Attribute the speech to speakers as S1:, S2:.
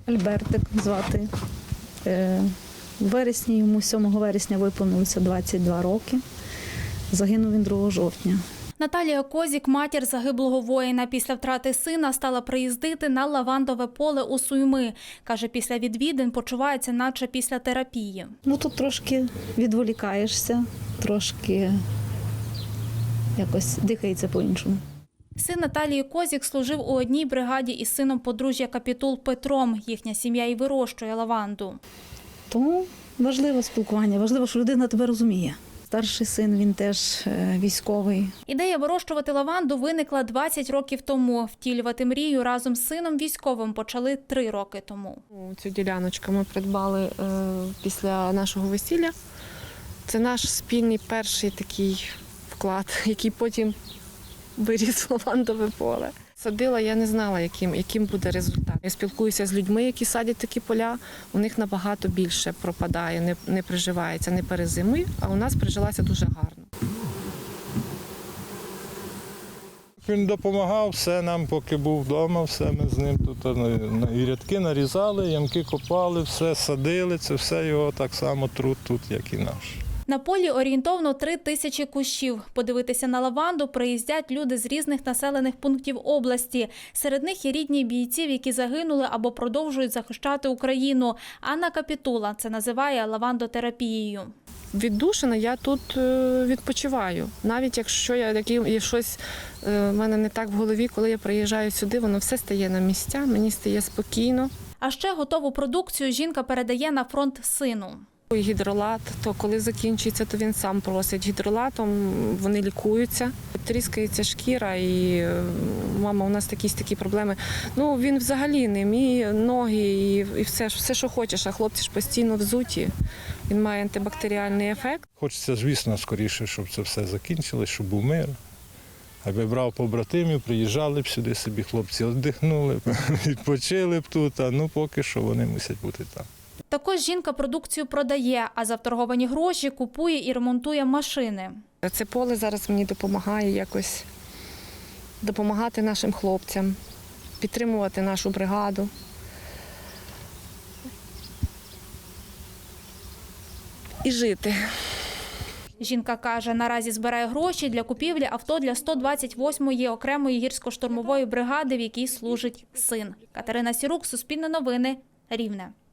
S1: Альбертик звати. У вересні, йому 7 вересня виповнилося 22 роки. Загинув він 2 жовтня.
S2: Наталія Козік, матір загиблого воїна, після втрати сина стала приїздити на лавандове поле у Суйми. Каже, після відвідин почувається, наче після терапії.
S1: Тут трошки відволікаєшся, трошки якось дихається по-іншому.
S2: Син Наталії Козік служив у одній бригаді із сином подружжя Капітул Петром. Їхня сім'я і вирощує лаванду.
S1: Тому важливе спілкування, важливо, що людина тебе розуміє. Старший син, він теж військовий.
S2: Ідея вирощувати лаванду виникла 20 років тому. Втілювати мрію разом з сином військовим почали 3 роки тому.
S3: Цю діляночку ми придбали після нашого весілля. Це наш спільний перший такий вклад, який потім виріс в лавандове поле. Садила, я не знала, яким буде результат. Я спілкуюся з людьми, які садять такі поля, у них набагато більше пропадає, не приживається, не перезимує, а у нас прижилася дуже гарно.
S4: Він допомагав, все нам, поки був вдома, все ми з ним тут і рядки нарізали, ямки копали, все садили, це все його так само труд тут, як і наш.
S2: На полі орієнтовно 3000 кущів. Подивитися на лаванду приїздять люди з різних населених пунктів області. Серед них є рідні бійців, які загинули або продовжують захищати Україну. Анна Капітула це називає лавандотерапією.
S3: Віддушина, я тут відпочиваю. Навіть якщо є щось в мене не так в голові, коли я приїжджаю сюди, воно все стає на місця, мені стає спокійно.
S2: А ще готову продукцію жінка передає на фронт сину.
S3: Гідролат, то коли закінчується, то він сам просить. Гідролатом вони лікуються. Тріскається шкіра і мама, у нас такі проблеми. Він взагалі не мій, ноги і все, що хочеш, а хлопці ж постійно взуті. Він має антибактеріальний ефект.
S4: Хочеться, звісно, скоріше, щоб це все закінчилось, щоб був мир. Аби брав побратимів, приїжджали б сюди собі, хлопці віддихнули б, відпочили б тут, а поки що вони мусять бути там.
S2: Також жінка продукцію продає, а за вторговані гроші купує і ремонтує машини.
S3: Це поле зараз мені допомагає якось допомагати нашим хлопцям, підтримувати нашу бригаду. І жити.
S2: Жінка каже, наразі збирає гроші для купівлі авто для 128-ї окремої гірсько-штурмової бригади, в якій служить син. Катерина Сірук, Суспільне новини, Рівне.